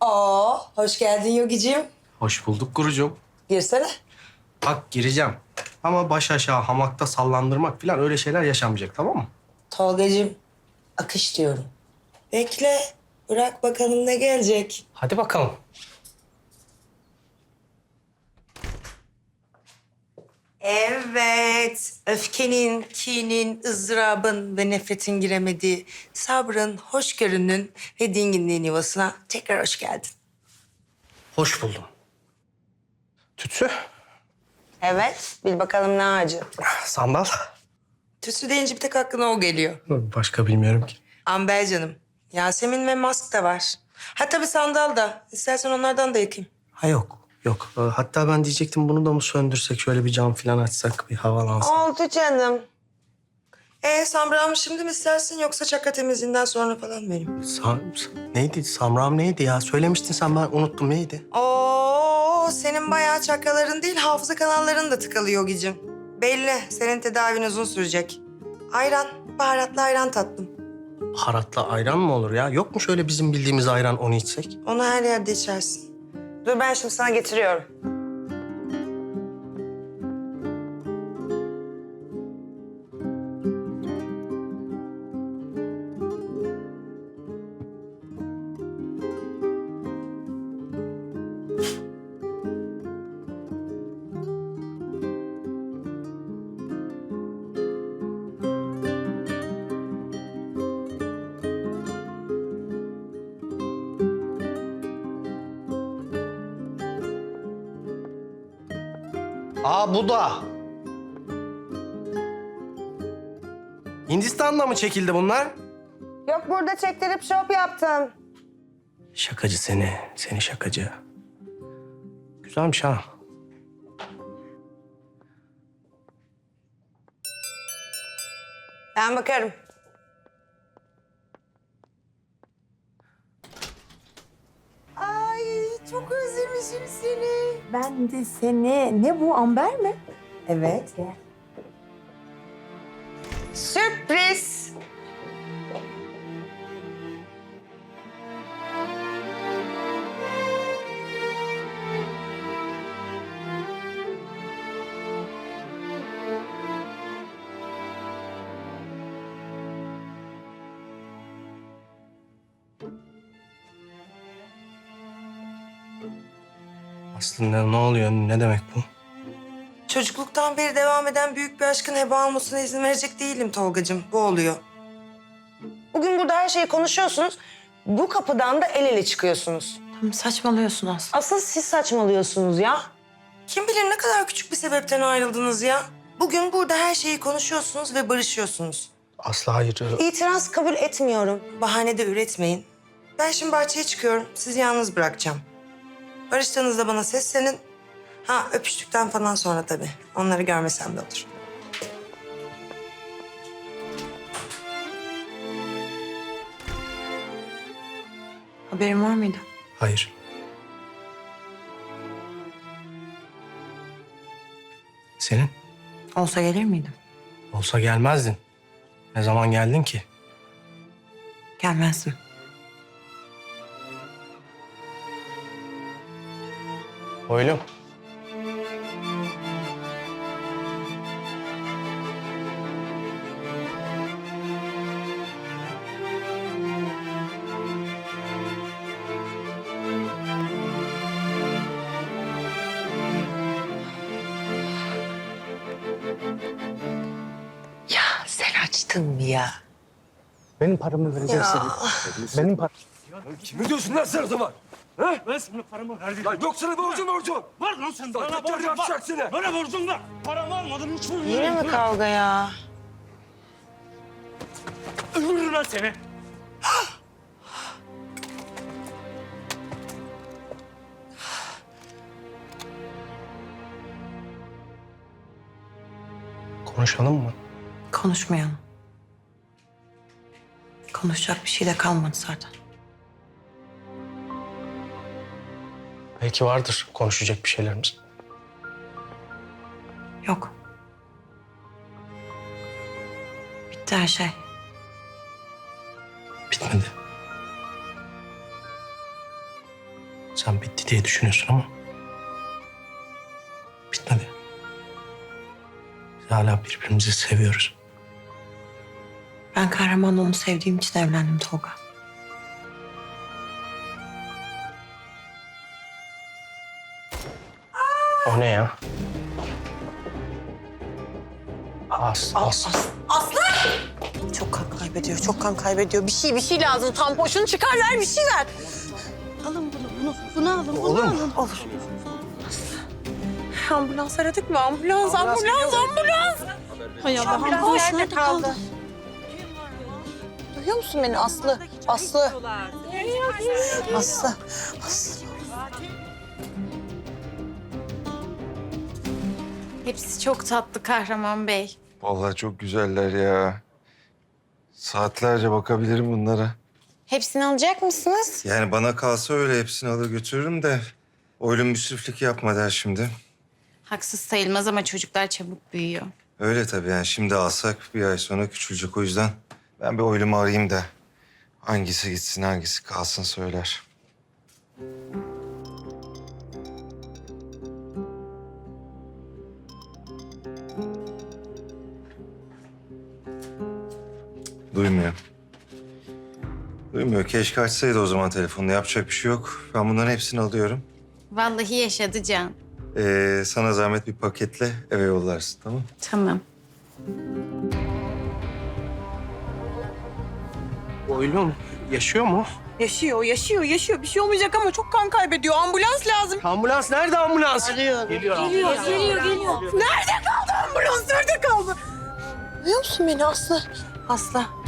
Hoş geldin Yogicim. Hoş bulduk Gurucuğum. Girsene. Bak gireceğim. Ama baş aşağı hamakta sallandırmak falan öyle şeyler yaşanmayacak, tamam mı? Tolgacığım, akış diyorum. Bekle, bırak bakalım ne gelecek. Hadi bakalım. Evet, öfkenin, kinin, ızdırabın ve nefretin giremediği sabrın, hoşgörünün ve dinginliğin yuvasına tekrar hoş geldin. Hoş buldum. Tütsü, Evet, bil bakalım ne ağacı. sandal. Tütsü deyince bir tek aklına o geliyor. Başka bilmiyorum ki. Amber canım, Yasemin ve Mask da var. Ha tabii sandal da. İstersen onlardan da yakayım. Ha yok, yok. Hatta ben diyecektim bunu da mı söndürsek, şöyle bir cam falan açsak, bir havalansın. Oldu canım. Samra'mı şimdi mi istersin yoksa çaka temizliğinden sonra falan benim? Neydi? Samram neydi ya? Söylemiştin sen, ben unuttum. Neydi? Senin bayağı çakaların değil hafıza kanalların da tıkalı Yogicim. Belli, senin tedavin uzun sürecek. Ayran, baharatlı ayran tatlım. Baharatlı ayran mı olur ya? Yok mu şöyle bizim bildiğimiz ayran, onu içsek? Onu her yerde içersin. Dur ben şimdi sana getiriyorum. Bu da. Hindistan'da mı çekildi bunlar? Yok burada çektirip şop yaptım. Şakacı seni, seni şakacı. Güzelmiş ha. Ben bakarım. Ay çok özlemişim seni. Ben de seni. Ne bu, amber mi? Evet. Sürpriz. Aslında ne oluyor, ne demek bu? Çocukluktan beri devam eden büyük bir aşkın heba olmasına izin verecek değilim Tolgacığım. Bu oluyor. Bugün burada her şeyi konuşuyorsunuz. Bu kapıdan da el ele çıkıyorsunuz. Tamam, saçmalıyorsun Aslı. Asıl siz saçmalıyorsunuz ya. Kim bilir ne kadar küçük bir sebepten ayrıldınız ya. Bugün burada her şeyi konuşuyorsunuz ve barışıyorsunuz. Aslı hayır. İtiraz kabul etmiyorum. Bahane de üretmeyin. Ben şimdi bahçeye çıkıyorum. Sizi yalnız bırakacağım. Barıştığınızda bana seslenin. Ha öpüştükten falan sonra tabii. Onları görmesem de olur. Haberin var mıydı? Hayır. Senin? Olsa gelir miydim? Olsa gelmezdin. Ne zaman geldin ki? Gelmezdim. Oylum. Ya sen açtın mı ya? Benim paramı vereceksin. Benim param. Kimi diyorsun lan sen o zaman? Ha? Ben sana paramı verdim. Lan yok sana borcun. Var lan sen. Bana tekrar borcun var. yapacak seni. Bana borcun var. Paramı almadın hiç mi? Yine mi kavga ya? Öldürürüm lan seni. Konuşalım mı? Konuşmayalım. Konuşacak bir şey de kalmadı zaten. Belki vardır konuşacak bir şeylerimiz. Yok. Bitti her şey. Bitmedi. Sen bitti diye düşünüyorsun ama bitmedi. Biz hala birbirimizi seviyoruz. Ben kahramanla onu sevdiğim için evlendim Tolga. O ne ya? Aslı. Çok kan kaybediyor, çok kan kaybediyor. Bir şey lazım. Tampoşunu çıkar ver, bir şey ver. Alın bunu alın, Olur mu? alın. Olur. Ambulans aradık mı? Ambulans. Hay Allah, ambulans nerede kaldı? Duyuyor musun beni Aslı? Aslı. Hepsi çok tatlı Kahraman Bey. Vallahi çok güzeller ya. Saatlerce bakabilirim bunlara. Hepsini alacak mısınız? Yani bana kalsa öyle hepsini alır götürürüm de... ...oylum müsriflik yapma der şimdi. Haksız sayılmaz ama çocuklar çabuk büyüyor. Öyle tabii yani şimdi alsak bir ay sonra küçülecek o yüzden... ...ben bir oylumu arayayım da... ...hangisi gitsin hangisi kalsın söyler. Duymuyor. Duymuyor. Keşke açsaydı o zaman telefonunu. Yapacak bir şey yok. Ben bunların hepsini alıyorum. Vallahi yaşadı Can. Sana zahmet bir paketle eve yollarsın, tamam? Tamam. Oylum yaşıyor mu? Yaşıyor. Bir şey olmayacak ama çok kan kaybediyor. Ambulans lazım. Ambulans nerede ambulans? Geliyor. Geliyor. Nerede kaldı ambulans? Nerede kaldı? Duyuyor musun beni Aslı? Aslı.